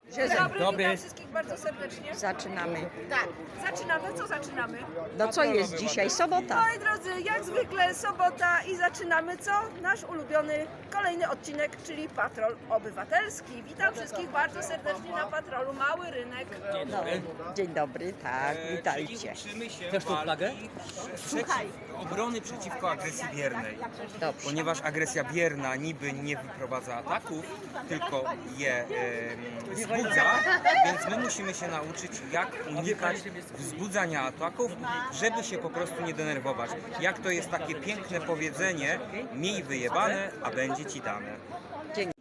Dzień dobry, Dobry. witam wszystkich bardzo serdecznie. Zaczynamy. Tak, zaczynamy. Co zaczynamy? No co jest dzisiaj? Sobota. Moi drodzy, jak zwykle sobota i zaczynamy co? Nasz ulubiony kolejny odcinek, czyli Patrol Obywatelski. Witam wszystkich bardzo serdecznie na Patrolu Mały Rynek. No, dzień dobry, tak, witajcie. Uczymy się Też tą flagę? Obrony przeciwko agresji biernej. Dobrze. Ponieważ agresja bierna niby nie wyprowadza ataków, tylko je wzbudza, więc my musimy się nauczyć, jak unikać wzbudzania ataków, żeby się po prostu nie denerwować. Jak to jest takie piękne powiedzenie, miej wyjebane, a będzie ci dane. Dzięki.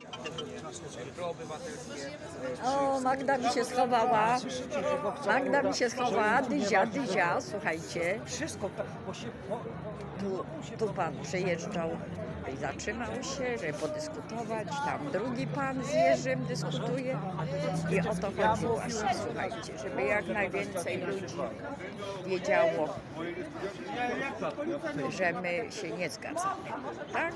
O, Magda mi się schowała. Magda mi się schowała. Dyzia, słuchajcie. Tu pan przyjeżdżał i zatrzymał się, żeby podyskutować. Tam drugi pan z Jerzym dyskutuje. I o to chodzi właśnie, słuchajcie, żeby jak najwięcej ludzi wiedziało, że my się nie zgadzamy. Tak?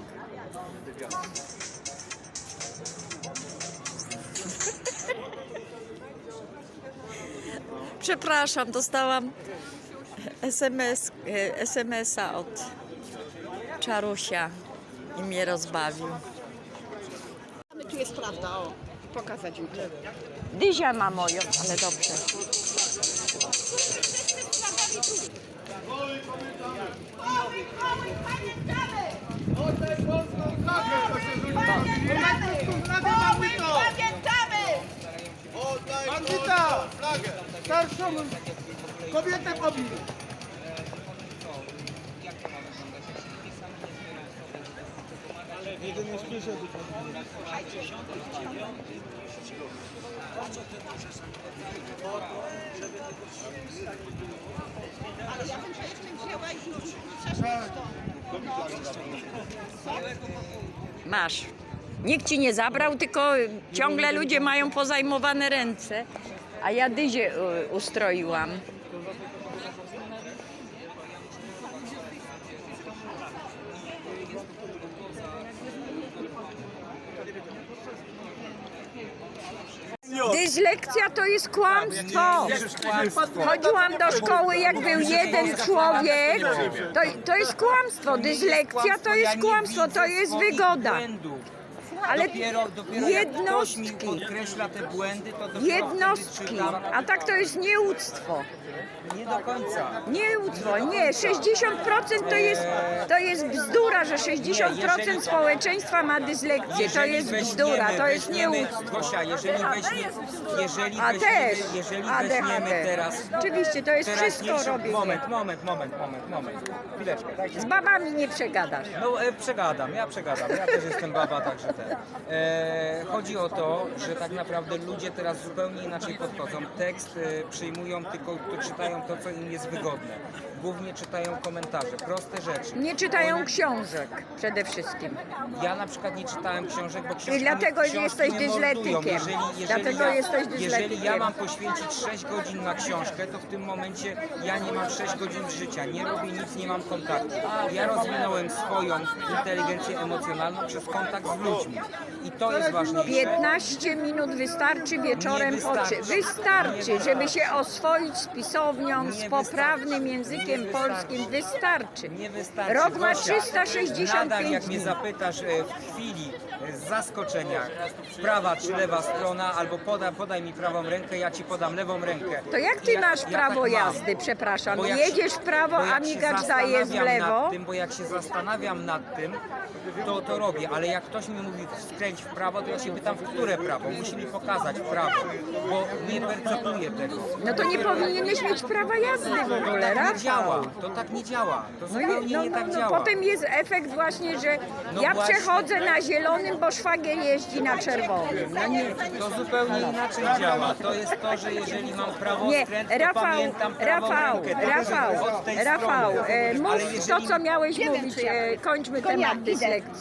Przepraszam, dostałam SMS-a od Czarusia i mnie rozbawił. Tu jest prawda, o. Pokazać mi to. Dyzia ma moją, ale dobrze. Bandita! Starszą kobietę pobił! Jeden jest przyszedł. Ale ja bym się jeszcze wzięła i przeszła Masz. Nikt ci nie zabrał, tylko ciągle ludzie mają pozajmowane ręce. A ja Dyzię ustroiłam. Dyslekcja to jest kłamstwo. Chodziłam do szkoły, jak był jeden człowiek. To jest kłamstwo. Dyslekcja to jest kłamstwo, to jest wygoda. Ale Dopiero jednostki. jak ktoś mi podkreśla te błędy, to dopiero Jednostki, wtedy czytam. a tak to jest nieuctwo. Nie do końca. Nieuctwo, nie, 60% to jest bzdura, że 60% społeczeństwa ma dyslekcję, to jest bzdura, to jest nieuctwo. Gosia, jeżeli A też weźmiemy ADHD. teraz... Oczywiście, to jest wszystko teraźniejszy- robienie. Moment. Chwileczkę, dajcie. Z babami nie przegadasz. No przegadam, ja też jestem baba, także ten. Chodzi o to, że tak naprawdę ludzie teraz zupełnie inaczej podchodzą. Tekst przyjmują, tylko czytają to, co im jest wygodne. Głównie czytają komentarze, proste rzeczy. Nie czytają książek przede wszystkim. Ja na przykład nie czytałem książek, bo książki dlatego książki jesteś mnie mordują. dyslektykiem. Dlatego jesteś Jeżeli dyslektykiem. ja mam poświęcić 6 godzin na książkę, to w tym momencie ja nie mam 6 godzin życia, nie robię nic, nie mam kontaktu. Ja rozwinąłem swoją inteligencję emocjonalną przez kontakt z ludźmi. I to jest ważniejsze. 15 minut wystarczy wieczorem Nie wystarczy. Wystarczy, żeby się oswoić z pisownią, Nie z poprawnym wystarczy. językiem Nie polskim. Wystarczy. Nie wystarczy. Rok ma Gosia, 365 nadal jak mnie dni. zapytasz w chwili zaskoczenia, prawa czy lewa strona, albo podaj mi prawą rękę, ja ci podam lewą rękę. To jak ty masz ja prawo tak mam. jazdy, przepraszam? Bo jak Jedziesz się- w prawo, bo a jak się migacz daje w zastanawiam lewo? nad tym, bo jak się zastanawiam nad tym, to robię, ale jak ktoś mi mówi skręć w prawo, to ja się pytam, w które prawo? Musi mi pokazać prawo, bo nie percepuję tego. No to nie powinieneś mieć prawa jazdy w ogóle, To tak nie działa, Rafał. to tak nie działa, to No, zupełnie nie tak działa. potem jest efekt właśnie, że No ja właśnie. przechodzę na zielonym, bo szwagier jeździ na czerwonym. No nie. To zupełnie inaczej działa. To jest to, że jeżeli mam prawo Nie, skręt, to Rafał, pamiętam prawą rękę. To Rafał, od tej Rafał, strony. Ale mów jeżeli- to, co miałeś mówić. Kończmy temat idę. dyslekcji.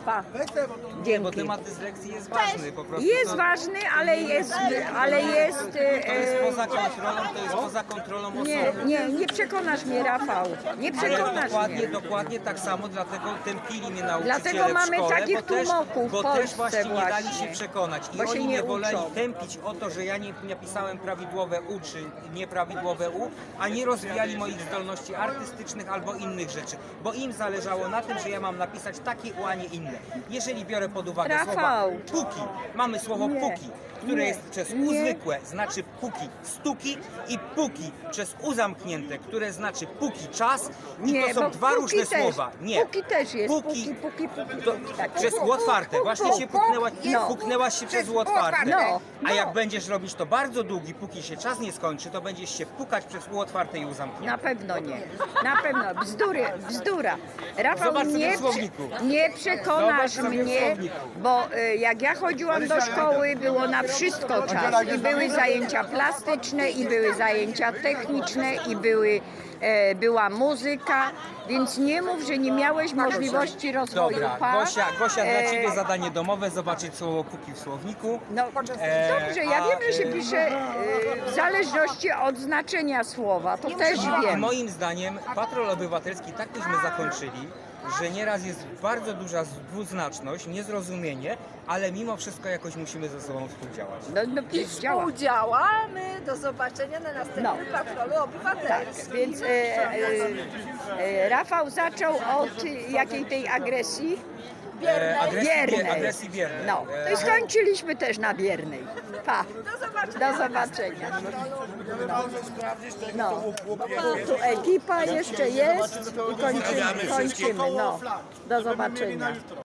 Pa. Weź te, bo to... Nie, bo Dzięki. temat dyslekcji jest ważny po prostu. Jest to, ważny, ale jest, to jest poza kontrolą, to jest poza kontrolą osoby. nie przekonasz mnie, Rafał. Nie Ale przekonasz mnie. dokładnie tak samo, dlatego tępili mnie nauczyciele Dlatego mamy w szkole, takich tłumoków w bo też Polsce właśnie nie dali właśnie. się przekonać. I Bo się oni nie mnie woleli uczą. tępić o to, że ja nie napisałem prawidłowe U czy nieprawidłowe U, a nie rozwijali moich zdolności artystycznych albo innych rzeczy. Bo im zależało na tym, że ja mam napisać takie U, a nie inne. Jeżeli biorę pod uwagę słowa Rafał. puki, mamy słowo Nie. puki, które Nie. jest przez U Nie. zwykłe, znaczy puki, stuki i puki przez U zamknięte, które znaczy puki czas i to bo są dwa puki różne też. słowa. Nie. Puki też jest. Puki. Puki. To Tak. przez U otwarte. Właśnie się puknęłaś, No. puknęłaś się przez U otwarte. No. A jak będziesz robić to bardzo długi, póki się czas nie skończy, to będziesz się pukać przez U otwarte i U zamknięte. Na pewno nie. Na pewno. Bzdura. Rafał, Zobacz sobie w słowniku. nie przekonasz Zobacz sobie w mnie, słowniku. bo jak ja chodziłam do szkoły, było na wszystko czas. I były zajęcia plastyczne, i były zajęcia techniczne, i była muzyka, więc nie mów, że nie miałeś możliwości rozwoju. Dobra, Pa. Gosia, dla Ciebie E, zadanie domowe, zobaczyć słowo puki w słowniku. No dobrze, ja wiem, że się pisze w zależności od znaczenia słowa, to też I wiem. moim zdaniem patrol obywatelski tak byśmy zakończyli, że nieraz jest bardzo duża dwuznaczność, niezrozumienie, ale mimo wszystko jakoś musimy ze sobą współdziałać. No działa. Współdziałamy. Do zobaczenia na następnym patrolu Tak, obywatelskim. więc Rafał zaczął od jakiej tej agresji? Biernej. Agresji biernej. No, to i skończyliśmy też na biernej. Pa, Do zobaczenia. do zobaczenia. No, tu ekipa jeszcze jest i kończymy. No, do zobaczenia.